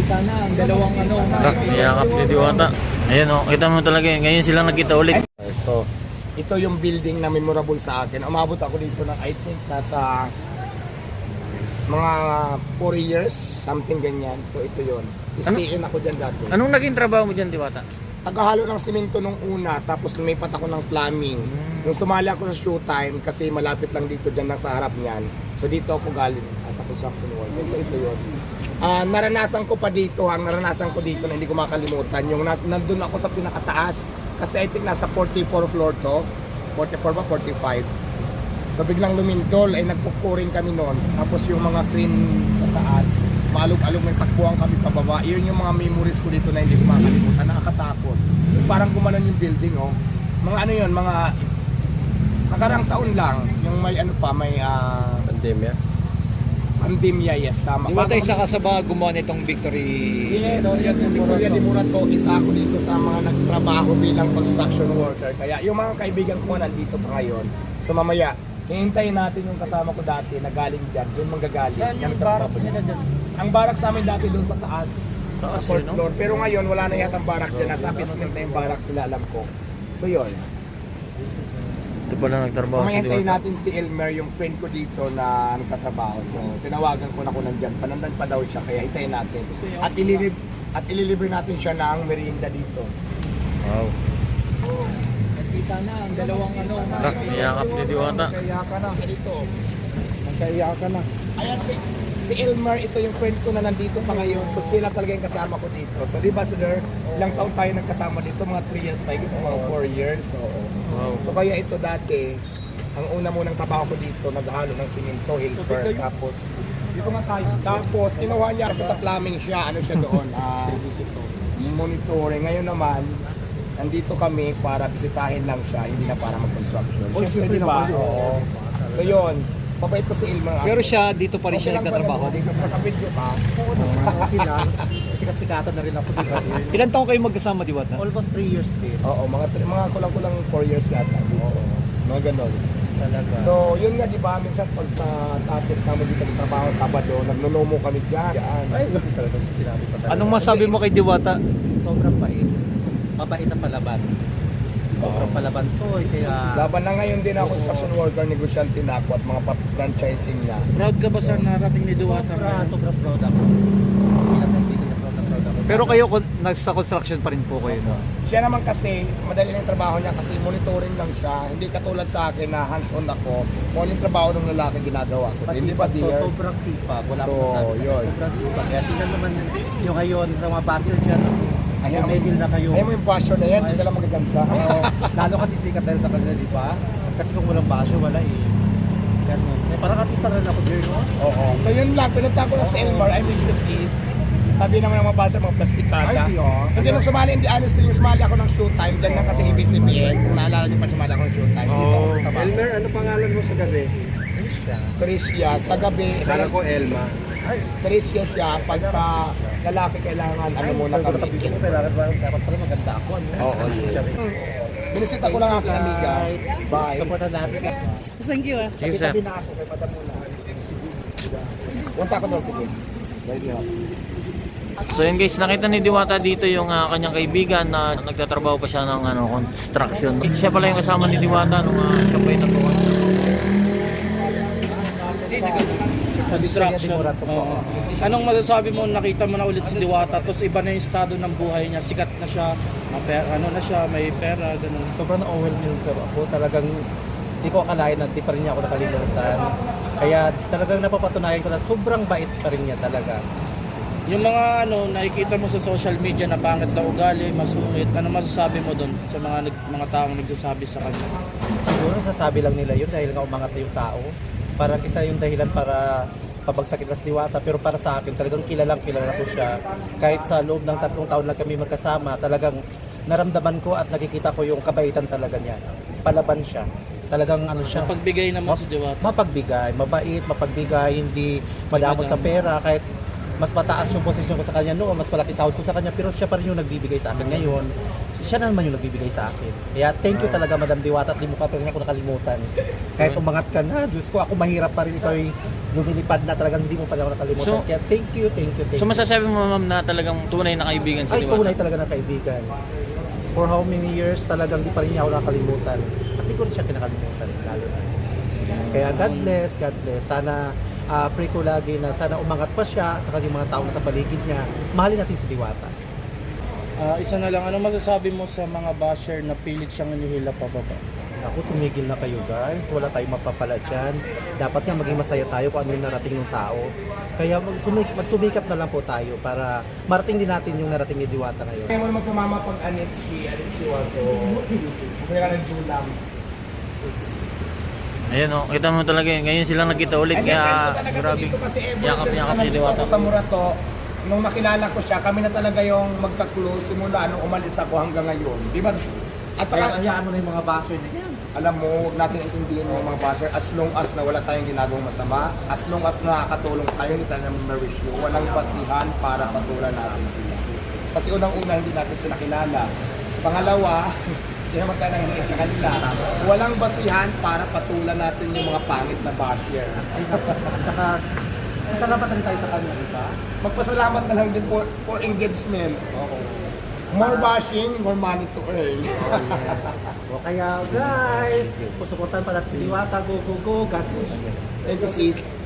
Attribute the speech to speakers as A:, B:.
A: Nakita na ang dalawang ano.
B: Niyakap ni Diwata. Ayan o, kita mo talaga yun. Ngayon sila nagkita ulit.
C: So, ito yung building na memorable sa akin. Umabot ako dito ng I think nasa mga 4 years, something ganyan. So ito yun. Stay in ako dyan dati.
B: Anong naging trabaho mo dyan, Diwata?
C: Tagahalo ng simento nung una, tapos lumipat ako ng plumbing. Nung sumali ako sa showtime, kasi malapit lang dito dyan lang sa harap niyan. So dito ako galing sa construction worker. So ito yun. Naranasan ko pa dito, ang naranasan ko dito na hindi ko makalimutan, yung nandun ako sa pinakataas, kasi I think nasa 44 floor to, 44 ba, 45. So biglang lumindol, ay nagpupuring kami noon, tapos yung mga crane sa taas, maalog-alog may takbuhan kami pababa, yun yung mga memories ko dito na hindi ko makalimutan, nakakatakot. Parang gumanon yung building, oh. Mga ano yun, mga nakarang taon lang, yung may ano pa, may pandemya, yes, tama.
A: Di ba tayo isa ka sa mga gumawa nitong Victory?
C: Yes, Victoria de Morato, isa ako dito sa mga nagtrabaho bilang construction worker. Kaya yung mga kaibigan ko nandito pa ngayon. So mamaya, hihintayin natin yung kasama ko dati na galing dyan, doon manggagaling.
A: Saan yung barracks nila dyan?
C: Ang barracks sa amin dati doon sa taas, sa fourth floor. Pero ngayon, wala na yata ang barracks dyan. Nasa basement na yung barracks nila, alam ko. So yun.
B: Ito pala nagtrabaho si
C: Mahintayin
B: Diwata.
C: natin si Elmer, yung friend ko dito na nagtatrabaho. So tinawagan ko na kung nandyan. Panandan pa daw siya, kaya hintayin natin. At ililibre natin siya ng merienda dito.
B: Wow.
A: Nakita na ang dalawang ano.
B: Niyakap ni Diwata.
C: Nagkaiyakan na. Dito.
A: Nagkaiyakan na.
C: Ayan si Elmer, ito yung friend ko na nandito pa ngayon. So sila talaga yung kasama ko dito. So di ba sir, ilang taon tayo nagkasama dito? Mga 3 years tayo, mga 4 years. So,
B: Wow.
C: so kaya ito dati, ang una munang trabaho ko dito, naghalo ng simento, helper, tapos dito nga tayo. Tapos kinuha niya kasi sa plumbing siya, ano siya doon, monitoring. Ngayon naman, nandito kami para bisitahin lang siya, hindi na para mag-construction. Siyempre, diba? Oo. So yun, mabait ko si Elmer.
A: Pero siya, dito pa rin siya nagtatrabaho.
C: Dito pa kapidyo ka.
D: Okay lang. Sikat-sikatan na rin ako dito.
A: Ilan taong kayo magkasama, Diwata?
D: Almost 3 years din.
C: Oo, mga kulang-kulang 4 years yata. Oo. Mga ganon.
D: Talaga.
C: So, yun nga, di ba, minsan pag tapos namin dito ng trabaho, Sabado, nagnunomo kami dyan.
D: Ay, talaga sinabi ko talaga.
A: Anong masabi mo kay Diwata?
D: Sobrang bait. Mabait ang palaban. Sobrang palaban to eh, kaya...
C: Laban na ngayon din ako, construction worker, negosyante na ako at mga franchising na.
A: Proud ka ba sa narating ni
D: Sobrang proud ako. Bilang kaibigan na proud ako.
A: Pero kayo, nasa construction pa rin po kayo, no?
C: Siya naman kasi, madali lang yung trabaho niya kasi monitoring lang siya. Hindi katulad sa akin na hands-on ako. Kung yung trabaho ng lalaki ginagawa ko. Hindi ba, dear?
D: Sobrang sipag. Wala
C: So,
D: akong masabi.
C: yun.
D: Sobrang sipag. Kaya tingnan naman yung ngayon sa mga basher dyan.
C: Ayaw mo-
D: Medil na kayo.
C: Ayaw mo yung basyo na yan, isa lang magaganda.
D: Oo. Lalo kasi sikat dahil sa kanila, di ba? Kasi kung walang basyo, wala eh. Ganun. Eh, parang artista na rin ako, Jerry, no?
C: Oo. So yun lang, pinunta ko na sa Elmar, I mean to see. Sabi naman ng mga basa, mga plastikada.
D: Ay, yun.
C: Hindi nung sumali, hindi honest yung sumali ako ng showtime. Diyan lang kasi ABCBN. Kung naalala niyo pa sumali ako ng showtime. Dito ako nagtrabaho.
E: Elmer, ano pangalan mo sa gabi?
C: Tricia, sa gabi.
E: Kala ko Elma.
C: Ay, Tricia siya. Pagka lalaki kailangan, ano muna kami.
D: Ko, kailangan dapat pala maganda ako. Ano?
C: Oo, yes. Binisita ko lang aking amiga. Bye.
D: Supportan natin.
A: Thank you,
B: Thank you, sir.
D: Tabi na ako kay Madam Muna.
C: Punta ko doon, sige. Ready ako.
B: So yun guys, nakita ni Diwata dito yung kanyang kaibigan na nagtatrabaho pa siya ng construction. Siya pala yung kasama ni Diwata nung siya pa yung nagawa.
A: Construction. Oo. Anong masasabi mo, nakita mo na ulit si Diwata, tapos iba na yung estado ng buhay niya, sikat na siya, may pera, ganun.
D: Sobrang na-overwhelmed pero ako talagang hindi ko akalain na di pa rin niya ako nakalimutan. Kaya talagang napapatunayan ko na sobrang bait pa rin niya talaga.
A: Yung mga nakikita mo sa social media na pangit na ugali, masungit, ano masasabi mo doon sa mga taong nagsasabi sa kanya?
D: Siguro sasabi lang nila yun dahil nga umangat na yung tao. Parang isa yung dahilan para pabagsakin na si Diwata. Pero para sa akin, talagang kilala ko siya. Kahit sa loob ng 3 taon lang kami magkasama, talagang naramdaman ko at nakikita ko yung kabaitan talaga niya. Palaban siya. Talagang siya.
A: Pagbigay naman si Diwata.
D: Mapagbigay, mabait, mapagbigay, hindi madamot sa pera. Kahit mas mataas yung posisyon ko sa kanya noon, mas malaki sahod ko sa kanya, pero siya pa rin yung nagbibigay sa akin ngayon. siya na naman yung nagbibigay sa akin. Kaya thank you talaga Madam Diwata at di mo ka pa rin ako nakalimutan. Kahit umangat ka na, Diyos ko, ako mahirap pa rin, ikaw ay lumilipad na talagang hindi mo pa rin ako nakalimutan.
B: So-
D: Kaya thank you.
B: So masasabi mo ma'am na talagang tunay na kaibigan si
D: Ay,
B: Diwata?
D: tunay talaga na kaibigan. For how many years talagang di pa rin niya ako nakalimutan. At di ko rin siya kinakalimutan, lalo na. Kaya God bless. Sana pray ko lagi na sana umangat pa siya at saka yung mga tao na sa paligid niya. Mahalin natin si Diwata.
A: Isa na lang, anong masasabi mo sa mga basher na pilit siyang inihila pababa?
D: Ako, tumigil na kayo guys. Wala tayong mapapala dyan. Dapat nga maging masaya tayo kung ano yung narating ng tao. Kaya magsumikap na lang po tayo para marating din natin yung narating ni Diwata ngayon.
C: Kaya mo naman sumama pag Anit si Waso. Kaya ka ng Julams.
B: Ayun o, kita mo talaga yun. Ngayon sila nagkita ulit kaya grabe. Yakap-yakap si Diwata.
C: Sa Murato, nung makilala ko siya, kami na talaga yung magka-close simula nung umalis ako hanggang ngayon. Di ba? At
D: Kaya
C: saka,
D: hayaan mo na yung mga basher na yan.
C: alam mo, huwag natin intindihin yung mga basher as long as na wala tayong ginagawang masama, as long as nakakatulong tayo, hindi tayo naman ma-wish you. Walang basihan para patulan natin sila. Kasi unang-una, hindi natin sila kilala. Pangalawa, hindi naman tayo nangyayari sa kanila. Walang basihan para patulan natin yung mga pangit na basher.
D: At saka, salamat rin tayo sa kanya, di ba?
C: Magpasalamat na lang din for engagement. More bashing, more money to earn.
D: O kaya guys, susuportahan pa natin si Diwata. Go. God bless.
C: Thank you, sis.